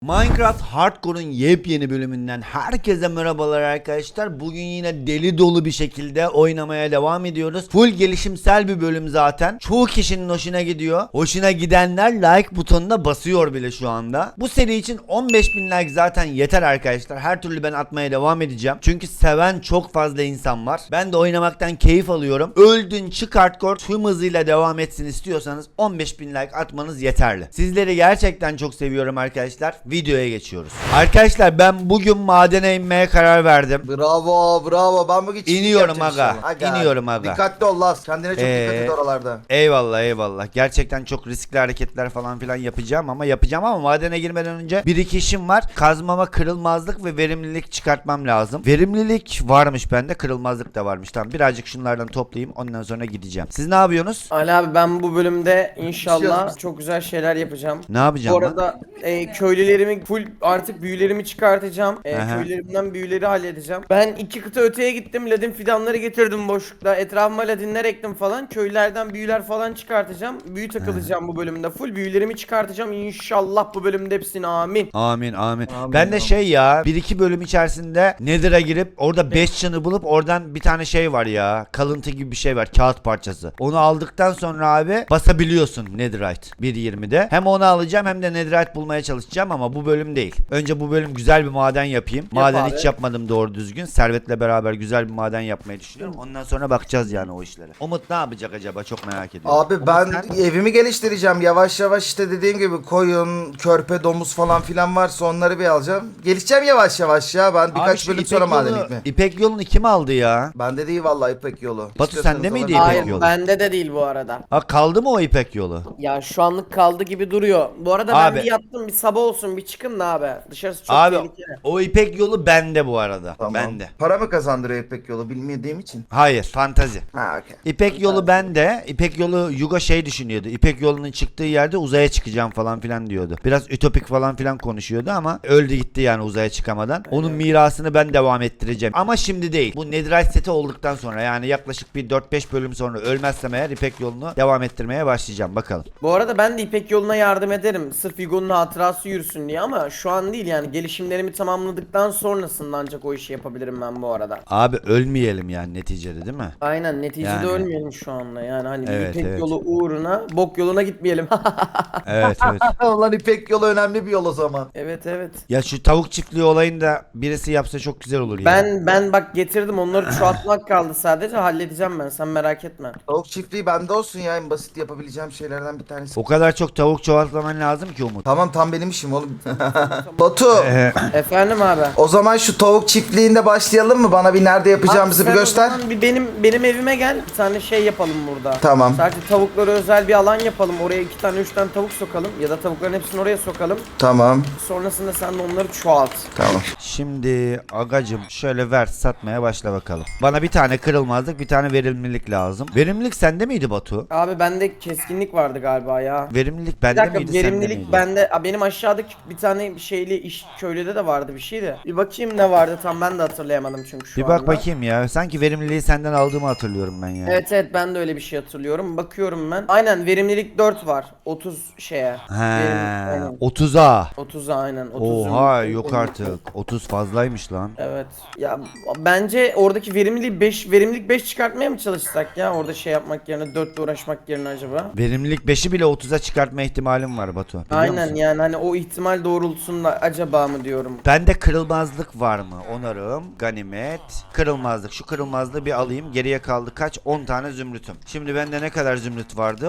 Minecraft Hardcore'un yepyeni bölümünden herkese merhabalar arkadaşlar. Bugün yine deli dolu bir şekilde oynamaya devam ediyoruz. Full gelişimsel bir bölüm zaten. Çoğu kişinin hoşuna gidiyor. Hoşuna gidenler like butonuna basıyor bile şu anda. Bu seri için 15.000 like zaten yeter arkadaşlar. Her türlü ben atmaya devam edeceğim. Çünkü seven çok fazla insan var. Ben de oynamaktan keyif alıyorum. Öldün çık Hardcore tüm hızıyla devam etsin istiyorsanız 15.000 like atmanız yeterli. Sizleri gerçekten çok seviyorum arkadaşlar. Videoya geçiyoruz. Arkadaşlar ben bugün madene inmeye karar verdim. Bravo. Ben bugün çiftlik İniyorum yapacağım aga. inşallah. İniyorum aga. Dikkatli ol Laz. Kendine çok dikkat et oralarda. Eyvallah. Gerçekten çok riskli hareketler falan filan yapacağım ama madene girmeden önce bir iki işim var. Kazmama kırılmazlık ve verimlilik çıkartmam lazım. Verimlilik varmış bende, kırılmazlık da varmış. Tamam, birazcık şunlardan toplayayım, ondan sonra gideceğim. Siz ne yapıyorsunuz? Ali abi ben bu bölümde inşallah çok güzel şeyler yapacağım. Ne yapacağım Bu arada köylülerimi full artık büyülerimi çıkartacağım. Aha. Köylerimden büyüleri halledeceğim. Ben 2 kıta öteye gittim. Ladin fidanları getirdim boşlukta. Etrafıma ladinler ektim falan. Köylerden büyüler falan çıkartacağım. Büyü takılacağım bu bölümde. Full büyülerimi çıkartacağım. İnşallah bu bölümde hepsini amin. Amin. Ben de bir iki bölüm içerisinde Nether'a girip orada 5 çanı bulup oradan bir tane şey var ya, kalıntı gibi bir şey var, kağıt parçası. Onu aldıktan sonra abi basabiliyorsun Netherite 1.20'de. Hem onu alacağım hem de Netherite bulmaya çalışacağım ama bu bölüm değil. Önce bu bölüm güzel bir maden yapayım. Maden abi. hiç yapmadım doğru düzgün. Servet'le beraber güzel bir maden yapmayı düşünüyorum. Ondan sonra bakacağız yani o işlere. Umut ne yapacak acaba, çok merak ediyorum. Abi Umut, ben sen? evimi geliştireceğim. Yavaş yavaş işte dediğim gibi koyun, körpe, domuz falan filan varsa onları bir alacağım. Gelişeceğim yavaş yavaş ya. Ben Abi birkaç şu bölüm sonra maden yolu, gitme. İpek yolunu kim aldı ya? Bende değil vallahi İpek yolu. Batu, İstiyorsanız sende miydi alabilirim. İpek Hayır yolu? bende de değil bu arada. Ha, kaldı mı o İpek yolu? Ya şu anlık kaldı gibi duruyor. Bu arada Abi. ben bir yattım, bir sabah olsun, bir çıkın da abi. Dışarısı çok Abi tehlikeli. o İpek yolu bende bu arada. Tamam. Bende. Para mı kazandırıyor İpek yolu bilmediğim için? Hayır, fantazi. Ha okey. İpek yolu bende. İpek yolu Yuga şey düşünüyordu. İpek yolunun çıktığı yerde uzaya çıkacağım falan filan diyordu. Biraz ütopik falan filan konuşuyordu ama öldü gitti yani uzaya çıkamadan. Onun mirasını ben devam ettireceğim. Ama şimdi değil. Bu Netherite seti olduktan sonra, yani yaklaşık bir 4-5 bölüm sonra ölmezsem eğer İpek yolunu devam ettirmeye başlayacağım. Bakalım. Bu arada ben de İpek yoluna yardım ederim. Sırf Yugo'nun hatırası yürüsün diye ama şu an değil yani. Gelişimlerimi tamamladıktan sonrasında ancak o işi yapabilirim ben bu arada. Abi ölmeyelim yani neticede, değil mi? Aynen, neticede Yani. ölmeyelim şu anda. Yani hani bir Evet, İpek evet. yolu uğruna bok yoluna gitmeyelim. Evet. Ulan İpek yolu önemli bir yol o zaman. Evet. Ya şu tavuk çiftliği olayını da birisi yapsa çok güzel olur ya. Ben bak getirdim, onları çoğaltmak kaldı sadece, halledeceğim ben, sen merak etme. Tavuk çiftliği bende olsun ya, en basit yapabileceğim şeylerden bir tanesi. O kadar çok tavuk çoğaltman lazım ki Umut. Tamam tam benim işim oğlum. Batu Efendim abi. o zaman şu tavuk çiftliğinde başlayalım mı? Bana bir nerede yapacağımızı Abi bir sen o göster. zaman bir benim evime gel, bir tane şey yapalım burada. Tamam. Sadece tavuklara özel bir alan yapalım. Oraya 2 tane 3 tane tavuk sokalım ya da tavukların hepsini oraya sokalım. Tamam. Sonrasında sen de onları çoğalt. Tamam. Şimdi agacım şöyle ver, satmaya başla bakalım. Bana bir tane kırılmazlık, bir tane verimlilik lazım. Verimlilik sende miydi Batu? Abi bende keskinlik vardı galiba ya. Verimlilik Bir bende dakika, miydi, sende verimlilik miydi? bende. Benim aşağıdaki bir tane şeyli iş köylüde de vardı bir şeydi. Bir bakayım ne vardı, tam ben de hatırlayamadım çünkü şu Bir anda. bak bakayım ya. Sanki verimliliği senden aldığımı hatırlıyorum ben ya. Evet ben de öyle bir şey hatırlıyorum. Bakıyorum ben. Aynen, verimlilik 4 var. 30 şeye. He, Aynen. 30'a. 30'a aynen. 30 Oha, verimlilik. yok artık. 30 fazlaymış lan. Evet. Ya bence oradaki verimlilik 5 çıkartmaya mı çalışsak ya? Orada şey yapmak yerine, 4 ile uğraşmak yerine acaba? Verimlilik 5'i bile 30'a çıkartma ihtimalim var Batu. Biliyor Aynen musun? yani hani o ihtimal doğrultusunda acaba mı diyorum. Bende kırılmazlık var mı? Onarım, ganimet, kırılmazlık. Şu kırılmazlığı bir alayım. Geriye kaldı kaç? 10 tane zümrütüm. Şimdi bende ne kadar zümrüt vardı?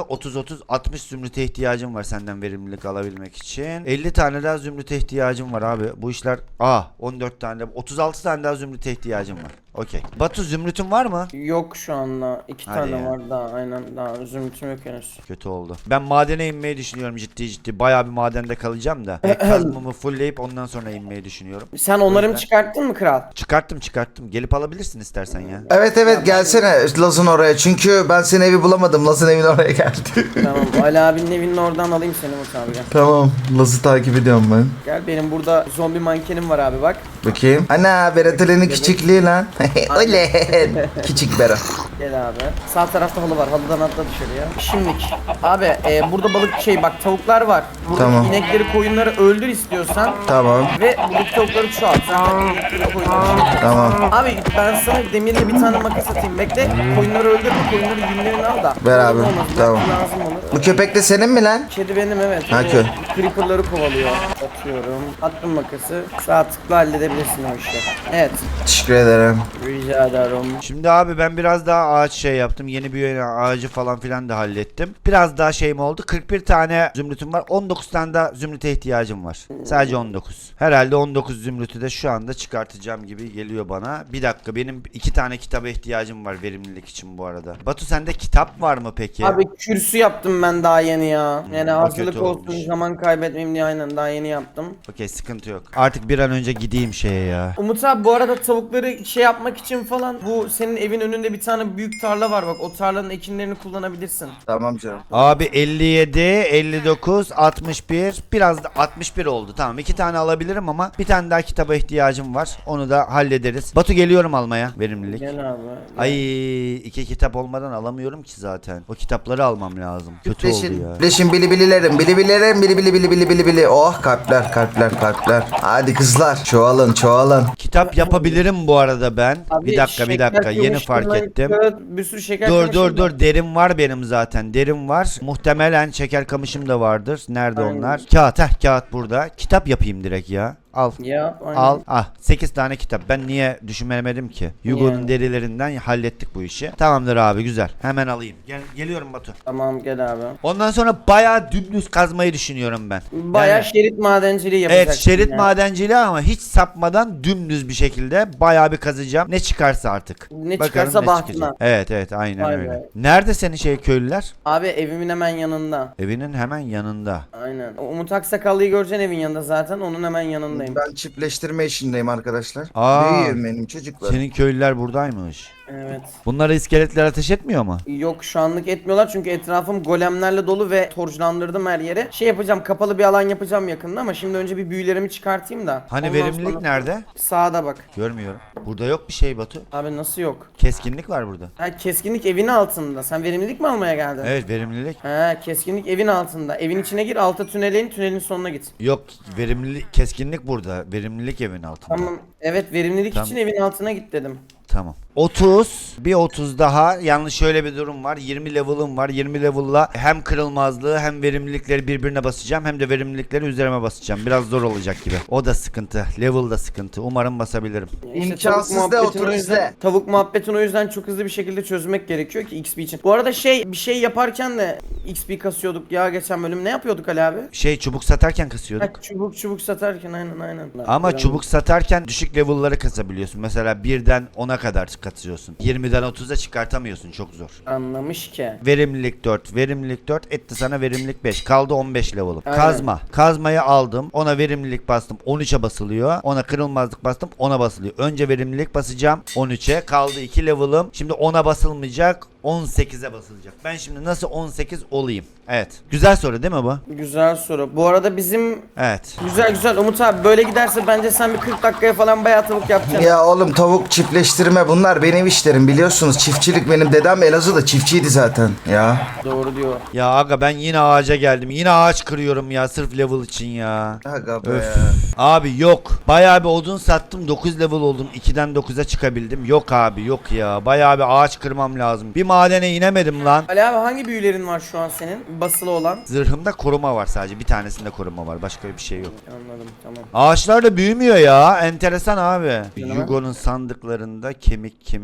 60 zümrüte ihtiyacım var senden verimlilik alabilmek için. 50 tane daha zümrüte ihtiyacım var abi. Bu işler 14 tane de 36 tane daha zümrüte ihtiyacım var. Okey. Batu, zümrütün var mı? Yok şu anda. 2 Hadi tane ya. var daha, aynen, daha zümrütüm yok henüz. Kötü oldu. Ben madene inmeyi düşünüyorum ciddi. Bayağı bir madende kalacağım da. Kazmamı fullleyip ondan sonra inmeyi düşünüyorum. Sen onları mı çıkarttın mı kral? Çıkarttım. Gelip alabilirsin istersen ya. Evet gelsene Laz'ın oraya. Çünkü ben senin evi bulamadım. Laz'ın evin oraya geldi. Tamam, Ali abinin evinin oradan alayım seni Umut abi, gel. Tamam. Laz'ı takip ediyorum ben. Gel, benim burada zombi mankenim var abi, bak. Bakayım. Ana Berat Ali'nin küçüklüğü lan. Öyle. Küçük Bero. Gel abi. Sağ tarafta halı var. Halıdan atla dışarıya. Şimdilik. Abi burada balık bak tavuklar var. Buradaki Tamam. inekleri koyunları öldür istiyorsan. Tamam. Ve buradaki tavukları çoğalt. Zaten inekleri koyunları. Tamam. Abi ben sana demirli bir tane makas atayım. Bekle. Koyunları öldürme. Koyunları yünlerini al da. Ver abi, Olmaz, tamam. lazım olur. Bu köpek de senin mi lan? Kedi benim evet. Ha, O creeper'ları kovalıyor. Atıyorum. Attım makası. Sağ tıkla halledebilirsin o işi. Evet. Teşekkür ederim. Rica ederim. Şimdi abi ben biraz daha ağaç şey yaptım. Yeni bir ağacı falan filan da hallettim. Biraz daha şeyim oldu. 41 tane zümrütüm var. 19 tane de zümrüte ihtiyacım var. Sadece 19. Herhalde 19 zümrütü de şu anda çıkartacağım gibi geliyor bana. Bir dakika, benim 2 tane kitaba ihtiyacım var verimlilik için bu arada. Batu, sende kitap var mı peki? Abi kürsü yaptım ben daha yeni ya. Yani o hazırlık kötü olsun, olmuş. zaman kaybetmeyeyim diye aynen daha yeni yaptım. Okey, sıkıntı yok. Artık bir an önce gideyim şeye ya. Umut abi bu arada tavukları şey yapmak için falan bu senin evin önünde bir tane büyük tarla var bak, o tarlanın ekinlerini kullanabilirsin. Tamam canım. Abi 57, 59, 61, biraz da 61 oldu. Tamam, 2 tane alabilirim ama bir tane daha kitaba ihtiyacım var. Onu da hallederiz. Batu, geliyorum almaya verimlilik. Gel abi. Ay, 2 kitap olmadan alamıyorum ki zaten. O kitapları almam lazım. Kötü oldu ya. Leşin bilibililerim. Bilibililerim. Bili. Oh, kalpler. Hadi kızlar. Çoğalın. Kitap yapabilirim bu arada ben. Abi Bir dakika. şeker Yeni fark kamışından ettim. kağıt, bir sürü şeker Dur. kamışından- Derim var benim zaten. Derim var. Muhtemelen şeker kamışım da vardır. Nerede Aynen. onlar? Kağıt burada. Kitap yapayım direkt ya. Al. Yap aynen. Al. 8 tane kitap. Ben niye düşünmemedim ki? Yugo'nun Yani. derilerinden hallettik bu işi. Tamamdır abi, güzel. Hemen alayım. Geliyorum Batu. Tamam gel abi. Ondan sonra bayağı dümdüz kazmayı düşünüyorum ben. Bayağı Yani- şerit madenciliği yapacaksın. Evet, şerit ya. madenciliği ama hiç sapmadan dümdüz bir şekilde bayağı bir kazacağım. Ne çıkarsa artık. Ne Bakalım çıkarsa ne bahtına. çıkacak. Evet aynen Vay öyle. be. Nerede senin köylüler? Abi evimin hemen yanında. Evinin hemen yanında. Aynen. O Umut Aksakallı'yı göreceksin evin yanında zaten. Onun hemen yanındayım. Ben çiftleştirme işindeyim arkadaşlar. Aa. Büyüğüm benim çocuklar. Senin köylüler buradaymış. Evet. Bunlara iskeletler ateş etmiyor mu? Yok şu anlık etmiyorlar çünkü etrafım golemlerle dolu ve torclandırdım her yere. Şey yapacağım, kapalı bir alan yapacağım yakında ama şimdi önce bir büyülerimi çıkartayım da. Hani Ondan verimlilik sonra- nerede? Sağda bak. Görmüyorum. Burada yok bir şey Batu. Abi nasıl yok? Keskinlik var burada. Ha keskinlik evin altında. Sen verimlilik mi almaya geldin? Evet, verimlilik. Ha keskinlik evin altında. Evin içine gir, alta tünele in, tünelin sonuna git. Yok, verimlilik, keskinlik burada. Verimlilik evin altında. Tamam. Evet verimlilik Tamam. için evin altına git dedim. Tamam. 30, bir 30 daha. Yalnız şöyle bir durum var. 20 level'ım var. 20 level'la hem kırılmazlığı hem verimlilikleri birbirine basacağım, hem de verimlilikleri üzerime basacağım. Biraz zor olacak gibi. O da sıkıntı. Level da sıkıntı. Umarım basabilirim. İmkansız tavuk de muhabbetini otur o yüzden- izle. Tavuk muhabbetini o yüzden çok hızlı bir şekilde çözmek gerekiyor ki XP için. Bu arada bir şey yaparken de XP kasıyorduk ya geçen bölüm. Ne yapıyorduk Ali abi? Çubuk satarken Ha, kasıyorduk. çubuk satarken aynen. Ama Biraz- çubuk satarken düşük level'ları kasabiliyorsun. Mesela 1'den 10'a kadar kasıyorsun. 20'den 30'a çıkartamıyorsun. Çok zor. Anlamış ki. Verimlilik 4. Verimlilik 4 etti sana verimlilik 5. Kaldı 15 level'ım. Aynen. Kazma. Kazmayı aldım. Ona verimlilik bastım. 13'e basılıyor. Ona kırılmazlık bastım. 10'a basılıyor. Önce verimlilik basacağım. 13'e. Kaldı 2 level'ım. Şimdi 10'a basılmayacak. 18'e basılacak. Ben şimdi nasıl 18 olayım? Evet. Güzel soru değil mi bu? Güzel soru. Bu arada bizim Evet. güzel Umut abi böyle giderse bence sen bir 40 dakikaya falan bayağı tavuk yapacaksın. Ya oğlum tavuk çiftleştirme bunlar benim işlerim biliyorsunuz. Çiftçilik benim dedem Elazığ'da çiftçiydi zaten ya. Doğru diyor. Ya aga, ben yine ağaca geldim. Yine ağaç kırıyorum ya sırf level için ya. Aga be. Öf. Abi yok. Bayağı bir odun sattım. 9 level oldum. 2'den 9'a çıkabildim. Yok abi, yok ya. Bayağı bir ağaç kırmam lazım. Bir madene inemedim lan. Ali abi hangi büyülerin var şu an senin? Basılı olan. Zırhımda koruma var sadece. Bir tanesinde koruma var. Başka bir şey yok. Anladım tamam. Ağaçlar da büyümüyor ya. Enteresan abi. Canım. Yugo'nun sandıklarında kemik.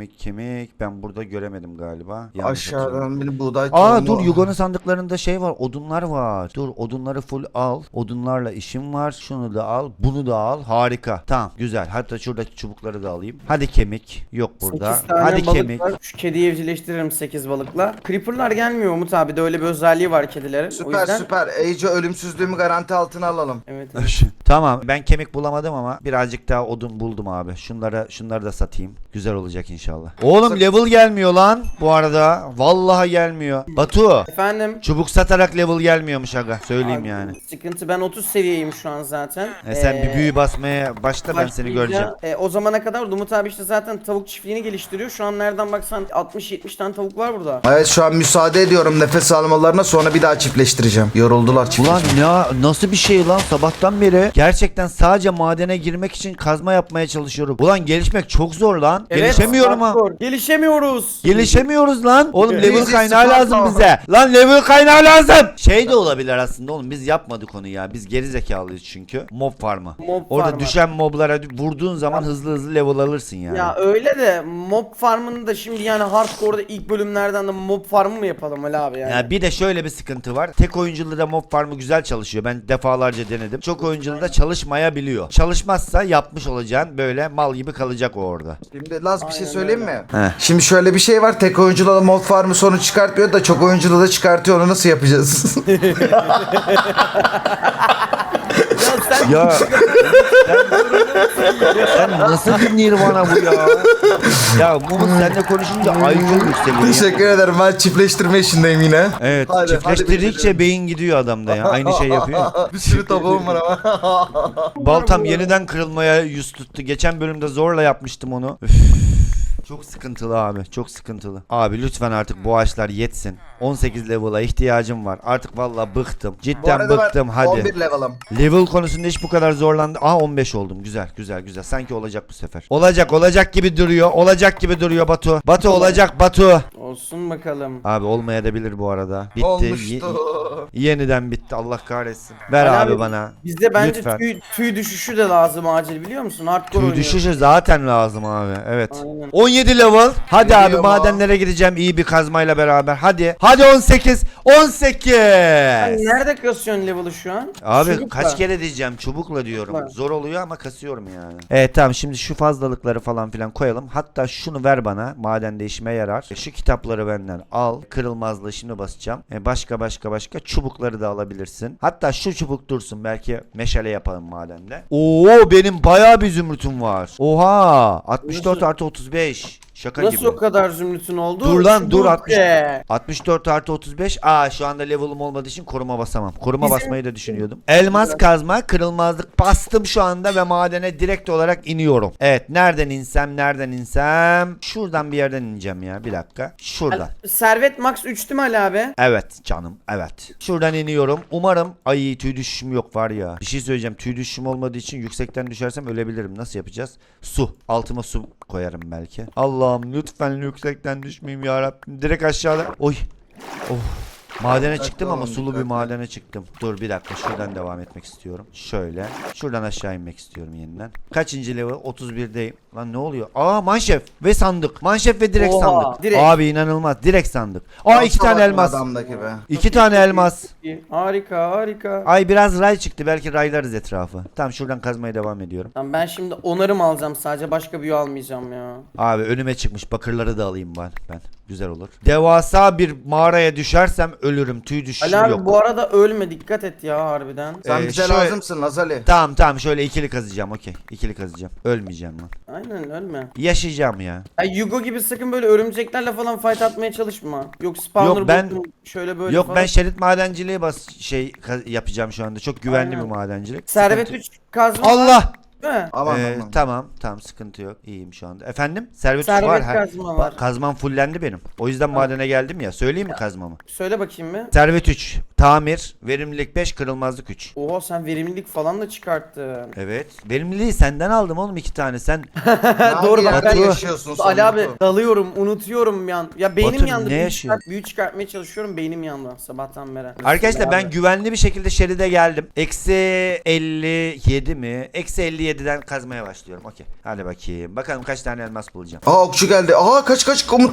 Ben burada göremedim galiba. Yanlış hatırlıyorum. Aşağıdan bir buğday Aa tohumu. dur, Yugo'nun sandıklarında şey var, odunlar var. Dur, odunları full al. Odunlarla işim var. Şunu da al, bunu da al. Harika. Tamam, güzel. Hatta şuradaki çubukları da alayım. Hadi kemik. Yok burada. 8 tane Hadi balık kemik. var. Şu kediyi evcilleştiririm. 8 balıkla. Creeper'lar gelmiyor Umut abi de öyle bir özelliği var kedilerin. O Süper yüzden... süper. Ece ölümsüzlüğümü garanti altına alalım. Evet. Tamam, ben kemik bulamadım ama birazcık daha odun buldum abi. Şunları da satayım. Güzel olacak inşallah. Oğlum level gelmiyor lan bu arada. Vallahi gelmiyor. Batu, Efendim? çubuk satarak level gelmiyormuş aga. Söyleyeyim Abi, yani. Sıkıntı, ben 30 seviyeyim şu an zaten. Sen bir büyü basmaya başla, ben seni göreceğim. O zamana kadar Umut abi işte zaten tavuk çiftliğini geliştiriyor. Şu an nereden baksan 60-70 tane tavuk var burada. Evet şu an müsaade ediyorum nefes almalarına, sonra bir daha çiftleştireceğim. Yoruldular Ulan nasıl bir şey lan, sabahtan beri gerçekten sadece madene girmek için kazma yapmaya çalışıyorum. Ulan gelişmek çok zor lan. Gelişemiyorum ha. hardcore. Gelişemiyoruz. Gelişemiyoruz lan. Oğlum Evet. level Easy kaynağı Sparta. lazım bize. Lan level kaynağı lazım. Şey de olabilir aslında oğlum, biz yapmadık onu ya. Biz geri zekalıyız çünkü. Mob farmı. Orada farmı. düşen moblara vurduğun zaman hızlı level alırsın yani. Ya öyle de mob farmını da şimdi yani hardcore'da ilk bölümlerden de mob farmı mı yapalım Ali abi yani? Ya bir de şöyle bir sıkıntı var. Tek oyunculuğu da mob farmı güzel çalışıyor. Ben defalarca denedim. Çok oyunculuğu da çalışmayabiliyor. Çalışmazsa yapmış olacağın böyle mal gibi kalacak o orada. Şimdi Laz bir şey Aynen söyleyeyim öyle. mi? Heh. Şimdi şöyle bir şey var. Tek oyunculu da mob farmı sonu çıkartmıyor da çok oyunculu da çıkartıyor. Onu nasıl yapacağız? Ya sen Ya sen nasıl bir nirvana bu ya? Ya Mumut seninle konuşunca IQ yükseliyor. ya. Teşekkür ederim. Ben çiftleştirme işindeyim yine. Evet, Hadi, çiftleştirdikçe hadi beyin gidiyor adamda ya. Aynı şey yapıyor. Bir sürü tavuğum var ama. Baltam yeniden kırılmaya yüz tuttu. Geçen bölümde zorla yapmıştım onu. Üf. Çok sıkıntılı abi, çok sıkıntılı. Abi lütfen artık bu ağaçlar yetsin. 18 level'a ihtiyacım var. Artık vallahi bıktım. Bu Cidden arada bıktım, ben hadi. 11 level'ım. Level konusunda hiç bu kadar zorlandı. Aa 15 oldum. Güzel, güzel, güzel. Sanki olacak bu sefer. Olacak gibi duruyor. Olacak gibi duruyor Batu. Batu olacak Batu. olsun bakalım. Abi olmayabilir bu arada. Bitti. Olmuştu. Yeniden bitti. Allah kahretsin. Ver Ali abi abi, bana. Bizde bence Lütfen. tüy düşüşü de lazım acil, biliyor musun? Hardcore Tüy oynuyoruz. düşüşü zaten lazım abi. Evet. Aynen. 17 level. Hadi abi Geliyor mu? madenlere gideceğim iyi bir kazmayla beraber. Hadi. Hadi 18. 18. Sen nerede kasıyorsun level'ı şu an? Abi Çubukla. kaç kere diyeceğim, çubukla diyorum. Çubukla. Zor oluyor ama kasıyorum yani. Evet tamam, şimdi şu fazlalıkları falan filan koyalım. Hatta şunu ver bana, madende işime yarar. Şu kitapları benden al. Kırılmazlığı şimdi basacağım. Başka çubukları da alabilirsin. Hatta şu çubuk dursun, belki meşale yapalım madende. Oo benim bayağı bir zümrütüm var. Oha 64 Nasıl? artı 35. Şaka Nasıl gibi. o kadar zümrütün oldu? Dur lan, dur, Çubuk 60. be. 64 artı 35. Aa şu anda level'ım olmadığı için koruma basamam. Koruma Bizim- basmayı da düşünüyordum. Elmas kazma, kırılmazlık bastım şu anda ve madene direkt olarak iniyorum. Evet, nereden insem? Şuradan bir yerden ineceğim ya, bir dakika. Şuradan. Servet max 3 değil mi Ali abi? Evet canım, evet. Şuradan iniyorum. Umarım ay tüy düşüşüm yok var ya. Bir şey söyleyeceğim. Tüy düşüşüm olmadığı için yüksekten düşersem ölebilirim. Nasıl yapacağız? Su. Altıma su koyarım belki. Allah'ım lütfen yüksekten düşmeyeyim ya Rabbim. Direkt aşağıda. Oy. Oh. Madene çıktım ama olun, sulu bir dikkatli. madene çıktım. Dur bir dakika, şuradan devam etmek istiyorum. Şöyle. Şuradan aşağı inmek istiyorum yeniden. Kaçıncı level? 31'deyim. Lan ne oluyor? Aa manşef ve sandık. Manşef ve direkt Oha, sandık. direkt. Abi inanılmaz. Direkt sandık. Aa iki tane elmas. Adamdaki be. 2 tane elmas. Harika. Ay biraz ray çıktı. Belki raylarız etrafı. Tamam şuradan kazmaya devam ediyorum. Tamam, ben şimdi onarım alacağım sadece, başka büyü almayacağım ya. Abi önüme çıkmış. Bakırları da alayım ben. Güzel olur. Devasa bir mağaraya düşersem ölürüm. Tüy düşüşüm Ali abi yok. bu arada ölme, dikkat et ya harbiden. Sen bize şöyle- lazımsın Lazali. Tamam şöyle ikili kazacağım, okey. İkili kazacağım. Ölmeyeceğim lan. Aynen, ölme. Yaşayacağım ya. Ya Yugo gibi sakın böyle örümceklerle falan fight atmaya çalışma. Yok spawner Yok, ben- buldum, şöyle böyle Yok falan. ben şerit madenciliği yapacağım şu anda. Çok güvenli Aynen. bir madencilik. Servet Sıkıntı- 3 kazma var, Allah! değil mi? Aman. Tamam sıkıntı yok. İyiyim şu anda. Efendim? Servet Servet var. kazma var. Kazmam fullendi benim. O yüzden madene geldim ya. Söyleyeyim mi kazmamı? Söyle bakayım bir. Servet 3, tamir, verimlilik 5, kırılmazlık 3. Oha, sen verimlilik falan da çıkarttın. Evet. Verimliliği senden aldım oğlum 2 tane. Sen Doğru bak, ben yaşıyorsun sen. Ali abi Batu? dalıyorum, unutuyorum yan. Ya beynim Batu, yandı. ne Büyü, yaşıyorsun? büyü çıkartmaya çalışıyorum, beynim yandı sabahtan beri. arkadaşlar Abi. ben güvenli bir şekilde şeride geldim. Eksi 57 mi? Eksi 57 57'den kazmaya başlıyorum. Okey. Hadi bakayım. Bakalım kaç tane elmas bulacağım. Aa okçu geldi. Aa kaç Umut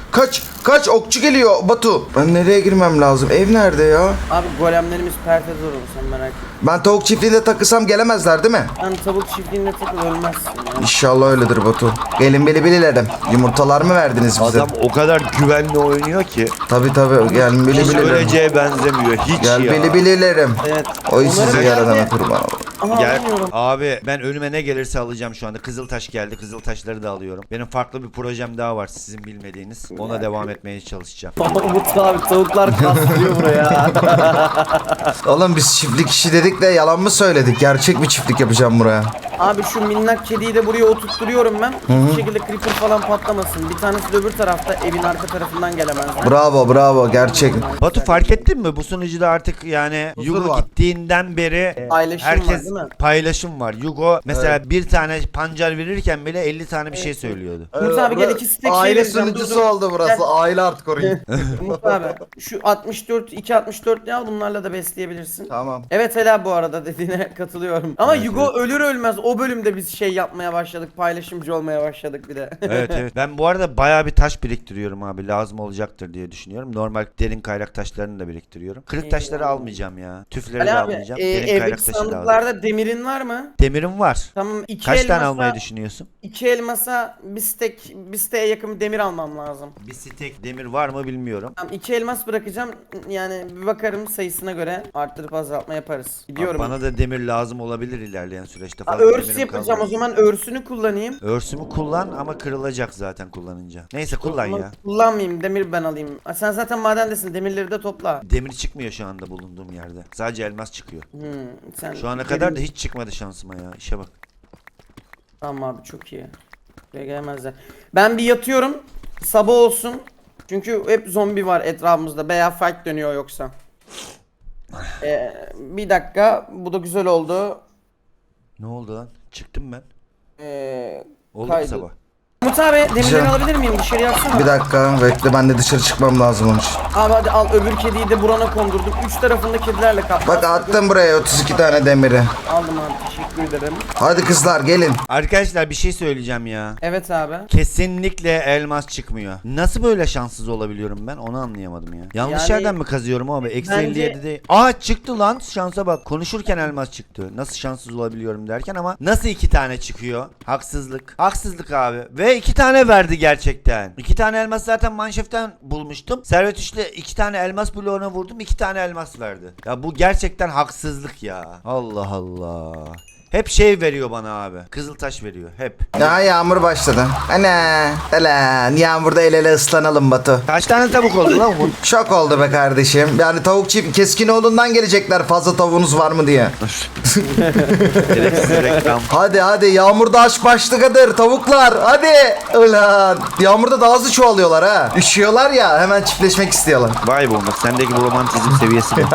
kaç okçu geliyor Batu. Ben nereye girmem lazım? Ev nerede ya? Abi golemlerimiz perte zor olur, sen merak etme. Ben tavuk çiftliğinde takılsam gelemezler değil mi? Sen tavuk çiftliğinde takıl, ölmezsin ya. İnşallah öyledir Batu. Gelin bililerim. Yumurtalar mı verdiniz bize? Adam o kadar güvenli oynuyor ki. Tabii gelin Hiç bililerim. öleceğe benzemiyor. Hiç Gel ya. bililerim. Evet. Oy Onları sizi da yaradana geldi. kurban olayım. Aha, Gel. alamıyorum. Abi ben önüme ne gelirse alacağım şu anda. Kızıltaş geldi. Kızıltaşları da alıyorum. Benim farklı bir projem daha var sizin bilmediğiniz. Ona devam etmeye çalışacağım. Umut abi tavuklar kaslıyor buraya. Oğlum biz çiftlik işi dedik de yalan mı söyledik? Gerçek bir çiftlik yapacağım buraya. Abi şu minnak kediyi de buraya oturtturuyorum ben. Hiçbir şekilde creeper falan patlamasın. Bir tanesi de öbür tarafta, evin arka tarafından gelemezler. Bravo gerçek. Batu fark ettin mi? Bu sunucuda artık yani Huzur Yugo var. gittiğinden beri Paylaşım var, herkes değil mi? paylaşım var. Yugo mesela bir tane pancar verirken bile 50 tane bir şey söylüyordu. Umut abi gel, iki stek şey Aile vereceğim. sunucusu Dur. oldu burası. Gel. Aile artık orayı. Umut abi şu 264 ne al, bunlarla da besleyebilirsin. Tamam. Evet Ela, bu arada dediğine katılıyorum. Ama Yugo ölür ölmez o bölümde biz şey yapmaya başladık. Paylaşımcı olmaya başladık bir de. Evet. Ben bu arada bayağı bir taş biriktiriyorum abi. Lazım olacaktır diye düşünüyorum. Normal derin kaynak taşlarını da biriktiriyorum. Kırık taşları almayacağım ya. Tüfleri de Ali abi almayacağım. Derin kaynak evdeki taşı da alacağım. sandıklarda demirin var mı? Demirim var. Tamam, iki Kaç tane elmasa- almayı düşünüyorsun? 2 elmasa bir stek'e yakın bir demir almam lazım. Bir stek demir var mı bilmiyorum. Tamam, 2 elmas bırakacağım. Yani bir bakarım, sayısına göre arttırıp azaltma yaparız. Gidiyorum. Bana da demir lazım olabilir ilerleyen süreçte. Ha, Fazla örs demirim yapacağım kalmadı. o zaman, örsünü kullanayım. Örsümü kullan ama kırılacak zaten kullanınca. Neyse kullan Ama ya. kullanmayayım, demir ben alayım. Ha, sen zaten madendesin, demirleri de topla. Demir çıkmıyor şu anda bulunduğum yerde. Sadece elmas çıkıyor. Sen Şu ana kadar da hiç çıkmadı şansıma ya. İşe bak. Tamam abi, çok iyi. Buraya gelemezler. Ben bir yatıyorum. Sabah olsun. Çünkü hep zombi var etrafımızda. Veya fight dönüyor yoksa. Bir dakika. Bu da güzel oldu. Ne oldu lan? Çıktım ben. Oldu mu Kaydı. sabah? Umut abi demirleri Güzel. alabilir miyim? Dışarı yapsana. Bir dakika bekle, ben de dışarı çıkmam lazım onun için. Abi hadi al, öbür kediyi de burana kondurdum. 3 tarafında kedilerle kaplı. Bak attım buraya 32 tane demiri. Aldım abi, teşekkür ederim. Hadi kızlar gelin. Arkadaşlar bir şey söyleyeceğim ya. Evet abi. Kesinlikle elmas çıkmıyor. Nasıl böyle şanssız olabiliyorum ben? Onu anlayamadım ya. Yanlış Yani- yerden mi kazıyorum abi? Eksi Bence- 57 değil. Aa çıktı lan. Şansa bak. Konuşurken elmas çıktı. Nasıl şanssız olabiliyorum derken ama nasıl 2 tane çıkıyor? Haksızlık. Haksızlık abi. Ve 2 tane verdi gerçekten. 2 tane elmas zaten manşeften bulmuştum. Servet üçle 2 tane elmas bloğuna vurdum. 2 tane elmas verdi. Ya bu gerçekten haksızlık ya. Allah Allah. Hep şey veriyor bana abi. Kızıltaş veriyor. Hep. Ya yağmur başladı. Ana. Lan yağmurda el ele ıslanalım Batu. Kaç tane tavuk oldu lan bu? Şok oldu be kardeşim. Yani tavuk çift Keskinoğlu'ndan gelecekler, fazla tavuğunuz var mı diye. Gereksiz reklam. Hadi yağmurda aşk başlıkadır tavuklar, hadi. Ulan yağmurda daha hızlı çoğalıyorlar ha. Üşüyorlar ya, hemen çiftleşmek istiyorlar. Vay be Umut, sendeki bu romantizm seviyesi mi?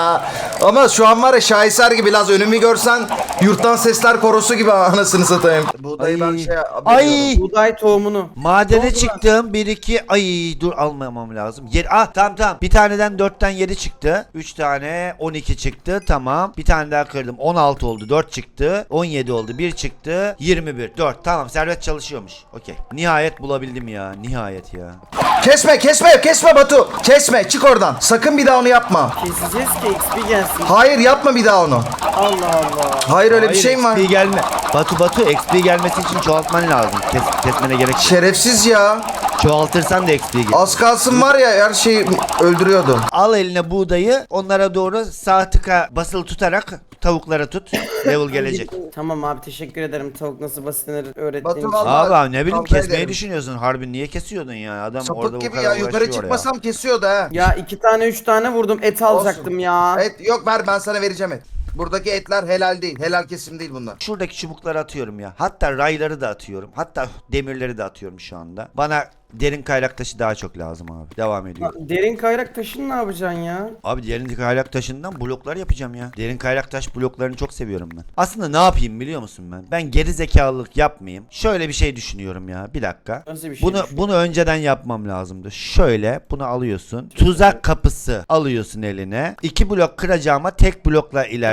Ama şu an var ya, şaheser gibi, Laz önümü görsen yurttan sesler korosu gibi, anasını satayım. Buğdayı ben şey Ay! Buğday tohumunu. Madene Ne oldu çıktım. 1 2 ay dur almamam lazım. Tamam. Bir taneden 4'ten 7 çıktı. 3 tane 12 çıktı. Tamam. Bir tane daha kırdım. 16 oldu. 4 çıktı. 17 oldu. 1 çıktı. 21. 4. Tamam. Servet çalışıyormuş. Okey. Nihayet bulabildim ya. Nihayet ya. Kesme Batu. Kesme, çık oradan. Sakın bir daha onu yapma. Keseceğiz ki XP gelsin. Hayır, yapma bir daha onu. Allah Allah. Hayır, öyle bir şey mi var? XP gelme. Batu XP gelmesi için çoğaltman lazım. Kesmene gerek yok. Şerefsiz ya. Çoğaltırsan da XP gelir. Az kalsın var ya, her şeyi öldürüyordu. Al eline buğdayı, onlara doğru sağ tıka basılı tutarak tavuklara tut. Level gelecek. Tamam abi, teşekkür ederim tavuk nasıl basitlenir öğrettiğin Batu için. vallahi- Abi ne bileyim, kavga kesmeyi ederim. düşünüyorsun. Harbi niye kesiyordun ya? Adam orada Sapık bu gibi kadar ya, yukarı uğraşıyor çıkmasam kesiyordu ha. Ya 2 tane 3 tane vurdum, et alacaktım ya. Et yok, ver, ben sana vereceğim et. Buradaki etler helal değil. Helal kesim değil bunlar. Şuradaki çubukları atıyorum ya. Hatta rayları da atıyorum. Hatta demirleri de atıyorum şu anda. Bana derin kaynak taşı daha çok lazım abi. Devam ediyorum. Derin kayrak taşını ne yapacaksın ya? Abi derin kaynak taşından bloklar yapacağım ya. Derin kaynak taş bloklarını çok seviyorum ben. Aslında ne yapayım biliyor musun ben? Ben geri zekalılık yapmayayım. Şöyle bir şey düşünüyorum ya. Bir dakika. Nasıl bir şey Bunu önceden yapmam lazımdı. Şöyle bunu alıyorsun. Tuzak kapısı alıyorsun eline. 2 blok kıracağıma tek blokla ilerlemek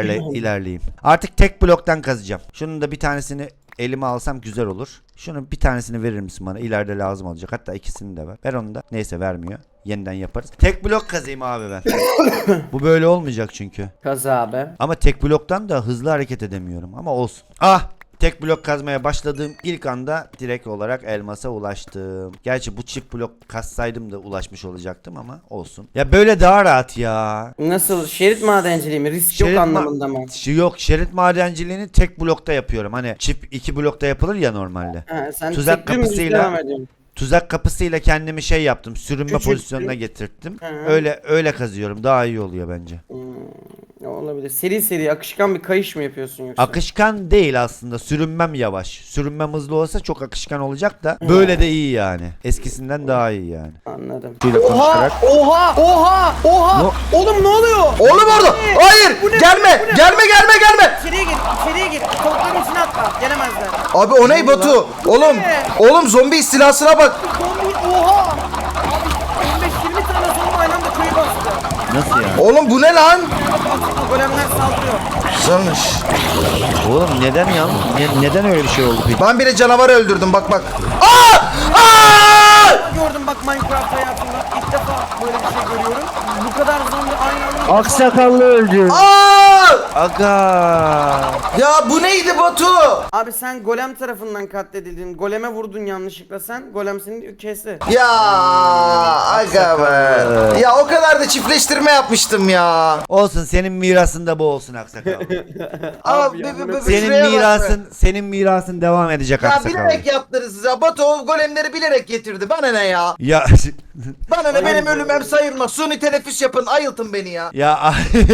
ilerleyeyim. Artık tek bloktan kazacağım. Şunun da bir tanesini elime alsam güzel olur. Şunun bir tanesini verir misin bana? İleride lazım olacak. Hatta ikisini de ver. Ver onu da. Neyse vermiyor. Yeniden yaparız. Tek blok kazayım abi ben. Bu böyle olmayacak çünkü. Kaz abi. Ama tek bloktan da hızlı hareket edemiyorum. Ama olsun. Ah! Tek blok kazmaya başladığım ilk anda direkt olarak elmasa ulaştım. Gerçi bu çift blok kazsaydım da ulaşmış olacaktım ama olsun. Ya böyle daha rahat ya. Nasıl? Şerit madenciliği mi? Risk yok anlamında mı? Yok, şerit madenciliğini tek blokta yapıyorum. Hani çift iki blokta yapılır ya normalde. Ha, sen Tuzak tek dümdüz kapısıyla- devam ediyorsun. Tuzak kapısıyla kendimi şey yaptım. Sürünme Küçülttün. pozisyonuna getirttim. Hı. Öyle kazıyorum. Daha iyi oluyor bence. Olabilir. Seri seri akışkan bir kayış mı yapıyorsun yoksa? Akışkan değil aslında. Sürünmem yavaş. Sürünmem hızlı olsa çok akışkan olacak da böyle de iyi yani. Eskisinden daha iyi yani. Anladım. Şöyle Oha! konuşarak. Oha! Oha! Oha! Oğlum ne oluyor? Oğlum orada. Hayır. Bu ne? Gelme. Bu ne? Gelme. İçeriye gir, içeriye gir. Tavukların içine atla. Gelemezler. Abi o ne Batu? Oğlum. Ne? Oğlum zombi istilasına bak. Zombi, oha! Abi 15-20 tane zombi aynı anda köyü bastı. Nasıl yani? Oğlum bu ne lan? Golemler saldırıyor. Güzelmiş. Oğlum neden ya? Neden öyle bir şey oldu peki? Ben bile canavar öldürdüm bak. Aa! Aa! Gördüm bak Minecraft hayatımda. İlk defa böyle bir şey görüyorum. Bu kadar zombi aynı anda. Aksakallı öldü. Aa! Aga. Ya bu neydi Batu? Abi sen golem tarafından katledildin. Goleme vurdun yanlışlıkla sen. Golem seni kesti. Ya aga be. Ya o kadar da çiftleştirme yapmıştım ya. Olsun, senin mirasında bu olsun aksakallı. Abi, ya, Senin mirasın devam edecek Ya aksakallı. bilerek yaptınız ya. Batu o golemleri bilerek getirdi. Bana ne ya? Ya Bana ne, benim ölümüm sayılmaz. Suni teneffüs yapın. Ayıltın beni ya. ya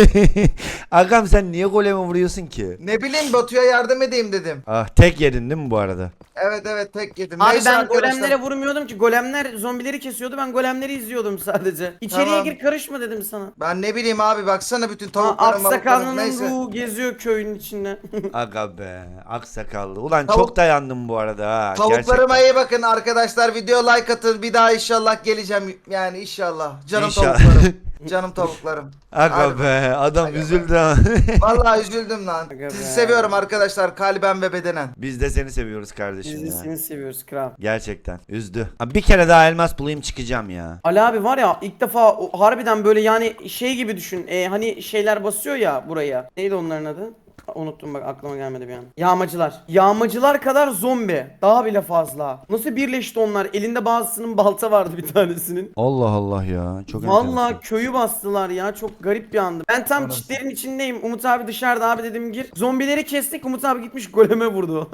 Agam sen niye goleme vuruyorsun ki? Ne bileyim Batu'ya yardım edeyim dedim. Ah, tek yedin değil mi bu arada? Evet tek yedim. Abi Neyse ben arkadaşlar. golemlere vurmuyordum ki. Golemler zombileri kesiyordu. Ben golemleri izliyordum sadece. İçeriye Tamam. gir karışma dedim sana. Ben ne bileyim abi baksana bütün Ha, tavuklarım balıklarım Aksakallının neyse. ruhu geziyor köyün içinde. Aga be, aksakallı. Ulan Tavuk- çok dayandım bu arada ha. Tavuklarıma gerçekten. iyi bakın arkadaşlar. Video like atın. Bir daha inşallah geleceğim. Yani inşallah. Canım İnşallah. tavuklarım. Canım tavuklarım. Aga Hadi be, adam Aga üzüldü ha. Vallahi üzüldüm lan. Aga Sizi be. seviyorum arkadaşlar kalben ve bedenen. Biz de seni seviyoruz kardeşim Biz de ya. seni seviyoruz kral. Gerçekten üzdü. Abi bir kere daha elmas bulayım çıkacağım ya. Ali abi var ya ilk defa harbiden böyle yani şey gibi düşün. Hani şeyler basıyor ya buraya. Neydi onların adı? Unuttum bak aklıma gelmedi bir an. Yağmacılar. Yağmacılar kadar zombi. Daha bile fazla. Nasıl birleşti onlar? Elinde bazısının balta vardı bir tanesinin. Allah Allah ya. Çok Vallahi enteresan. köyü bastılar ya. Çok garip bir andı. Ben tam çitlerin içindeyim. Umut abi dışarıda abi dedim gir. Zombileri kestik. Umut abi gitmiş goleme vurdu.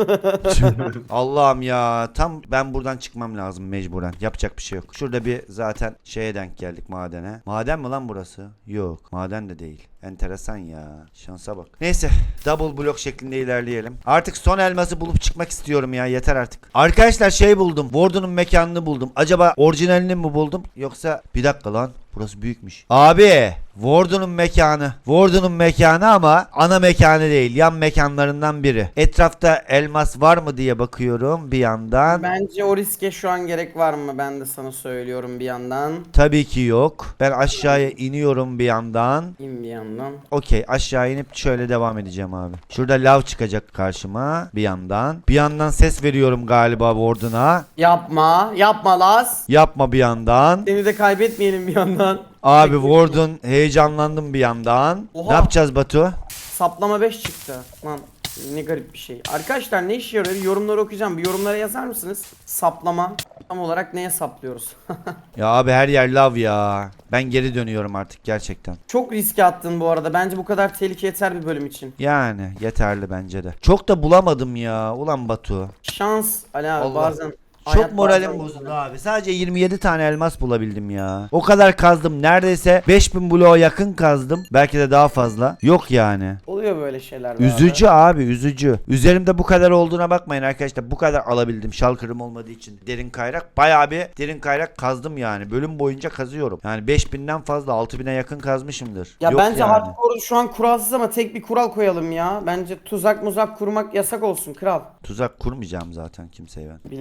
Allah'ım ya. Tam ben buradan çıkmam lazım mecburen. Yapacak bir şey yok. Şurada bir zaten şeye denk geldik, madene. Maden mi lan burası? Yok. Maden de değil. Enteresan ya. Şansa bak. Neyse. Double blok şeklinde ilerleyelim. Artık son elması bulup çıkmak istiyorum ya. Yeter artık. Arkadaşlar şey buldum. Warden'ın mekanını buldum. Acaba orijinalini mi buldum? Yoksa bir dakika lan. Burası büyükmüş. Abi. Warden'ın mekanı. Warden'ın mekanı ama ana mekanı değil. Yan mekanlarından biri. Etrafta elmas var mı diye bakıyorum bir yandan. Bence o riske şu an gerek var mı? Ben de sana söylüyorum bir yandan. Tabii ki yok. Ben aşağıya iniyorum bir yandan. İn bir yandan. Okey, aşağı inip şöyle devam edeceğim abi. Şurada lav çıkacak karşıma bir yandan. Bir yandan ses veriyorum galiba Warden'a. Yapma. Yapma Laz. Yapma bir yandan. Seni de kaybetmeyelim bir yandan. Abi Warden, heyecanlandım bir yandan. Oha. Ne yapacağız Batu? Saplama 5 çıktı. Lan ne garip bir şey. Arkadaşlar ne işe yarıyor? Yorumları okuyacağım. Bir yorumlara yazar mısınız? Saplama. Tam olarak neye saplıyoruz? Ya abi her yer lav ya. Ben geri dönüyorum artık gerçekten. Çok riske attın bu arada. Bence bu kadar tehlike yeter bir bölüm için. Yani yeterli bence de. Çok da bulamadım ya. Ulan Batu. Şans Ali abi Allah. bazen. Çok hayat moralim bazen- bozuldu abi. Sadece 27 tane elmas bulabildim ya. O kadar kazdım. Neredeyse 5000 bloğa yakın kazdım. Belki de daha fazla. Yok yani. Oluyor böyle şeyler. be Üzücü abi, üzücü. Üzerimde bu kadar olduğuna bakmayın arkadaşlar. Bu kadar alabildim şalkırım olmadığı için. Derin kayrak. Bayağı bir derin kayrak kazdım yani. Bölüm boyunca kazıyorum. Yani 5000'den fazla 6000'e yakın kazmışımdır. Ya Yok bence yani. hardcore şu an kuralsız ama tek bir kural koyalım ya. Bence tuzak muzak kurmak yasak olsun kral. Tuzak kurmayacağım zaten kimseye ben. Bilemedim şimdi.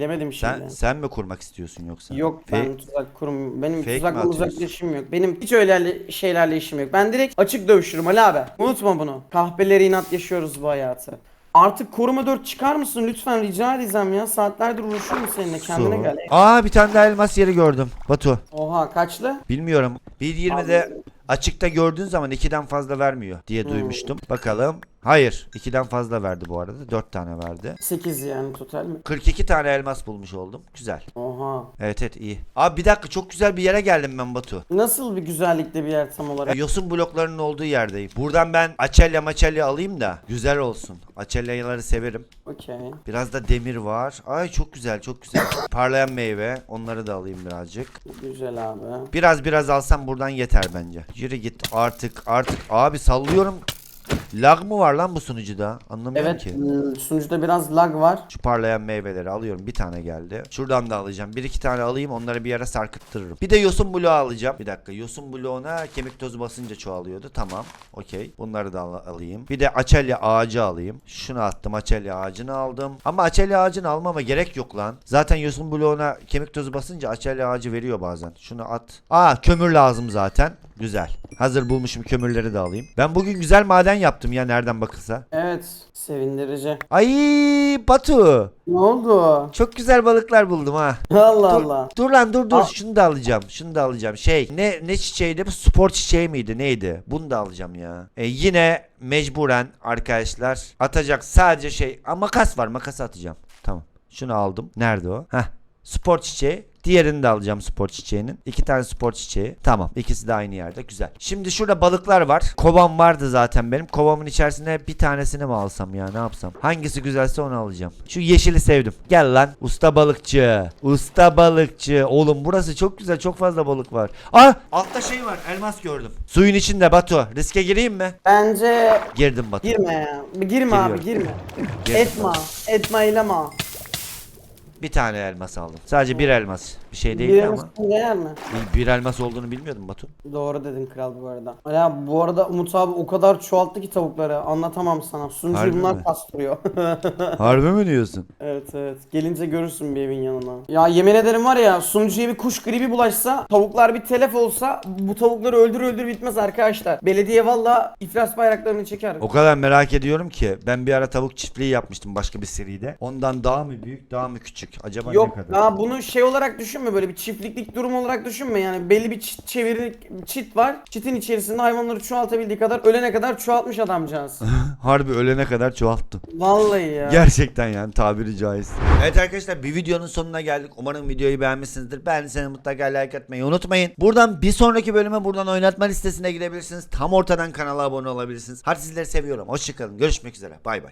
Sen mi kurmak istiyorsun yoksa? Yok ben tuzak kurum. Benim Fake mi tuzakla atıyorsun? uzakla işim yok. Benim hiç öyle şeylerle işim yok. Ben direkt açık dövüşürüm Ali abi. Unutma bunu. Kahpeleri inat yaşıyoruz bu hayatı. Artık koruma 4 çıkar mısın lütfen rica edeceğim ya. Saatlerdir uğraşıyorum seninle kendine Su. gel. Aa bir tane daha elmas yeri gördüm. Batu. Oha kaçlı? Bilmiyorum. 1.20'de açıkta gördüğün zaman 2'den fazla vermiyor diye duymuştum. Bakalım. Hayır. 2'den fazla verdi bu arada. 4 tane verdi. 8 yani total mi? 42 tane elmas bulmuş oldum. Güzel. Oha. Evet iyi. Abi bir dakika çok güzel bir yere geldim ben Batu. Nasıl bir güzellikte bir yer tam olarak? Yosun bloklarının olduğu yerdeyim. Buradan ben açelya alayım da güzel olsun. Açelyaları severim. Okey. Biraz da demir var. Ay çok güzel çok güzel. Parlayan meyve. Onları da alayım birazcık. Güzel abi. Biraz alsam buradan yeter bence. Yürü git artık. Abi sallıyorum. Lag mı var lan bu sunucuda? Anlamıyorum Evet ki. sunucuda biraz lag var. Şu parlayan meyveleri alıyorum. Bir tane geldi. Şuradan da alacağım. Bir iki tane alayım. Onları bir yere sarkıttırırım. Bir de yosun bloğu alacağım. Bir dakika. Yosun bloğuna kemik tozu basınca çoğalıyordu. Tamam. Okey. Bunları da alayım. Bir de açelya ağacı alayım. Şunu attım. Açelya ağacını aldım. Ama açelya ağacını almama gerek yok lan. Zaten yosun bloğuna kemik tozu basınca açelya ağacı veriyor bazen. Şunu at. Aa kömür lazım zaten. Güzel. Hazır bulmuşum kömürleri de alayım. Ben bugün güzel maden yaptım ya nereden bakılsa. Evet sevindirici. Ay Batu. Ne oldu? Çok güzel balıklar buldum ha. Allah Dur, Allah. dur lan dur. Al. Şunu da alacağım. Şunu da alacağım. Şey ne çiçeğiydi bu? Spor çiçeği miydi? Neydi? Bunu da alacağım ya. Yine mecburen arkadaşlar atacak sadece şey. Aa, makas var. Makası atacağım. Tamam. Şunu aldım. Nerede o? Heh. Spor çiçeği. Diğerini de alacağım spor çiçeğinin. 2 tane spor çiçeği. Tamam. İkisi de aynı yerde. Güzel. Şimdi şurada balıklar var. Kovam vardı zaten benim. Kovamın içerisine bir tanesini mi alsam ya? Ne yapsam? Hangisi güzelse onu alacağım. Şu yeşili sevdim. Gel lan. Usta balıkçı. Usta balıkçı. Oğlum burası çok güzel. Çok fazla balık var. Ah! Altta şey var. Elmas gördüm. Suyun içinde Batu. Riske gireyim mi? Bence Girdim Batu. girme ya. Girme abi Giriyorum. girme. Girdim. Etme eyleme. Bir tane elmas aldım. Sadece bir elmas. Bir şey Bir değil ama. değer mi? Bir elmas olduğunu bilmiyordum Batu. Doğru dedin kral bu arada. Ya bu arada Umut abi o kadar çoğalttı ki tavukları anlatamam sana. Sunucuyu Harbi mi? bunlar kastırıyor. Harbi mi diyorsun? Evet. Gelince görürsün bir evin yanına. Ya yemin ederim var ya sunucuya bir kuş gribi bulaşsa tavuklar bir telef olsa bu tavukları öldür bitmez arkadaşlar. Belediye valla iflas bayraklarını çeker. O kadar merak ediyorum ki ben bir ara tavuk çiftliği yapmıştım başka bir seride. Ondan daha mı büyük daha mı küçük? Acaba ne Yok kadar? ya bunu şey olarak düşünme böyle bir çiftliklik durum olarak düşünme yani belli bir çit var. Çitin içerisinde hayvanları çoğaltabildiği kadar ölene kadar çoğaltmış adamcağız. Harbi ölene kadar çoğalttım. Vallahi ya. Gerçekten yani tabiri caiz. Evet arkadaşlar bir videonun sonuna geldik. Umarım videoyu beğenmişsinizdir. Beğendiyseniz mutlaka like atmayı unutmayın. Buradan bir sonraki bölüme buradan oynatma listesine gidebilirsiniz. Tam ortadan kanala abone olabilirsiniz. Hadi sizleri seviyorum. Hoşçakalın. Görüşmek üzere. Bay bay.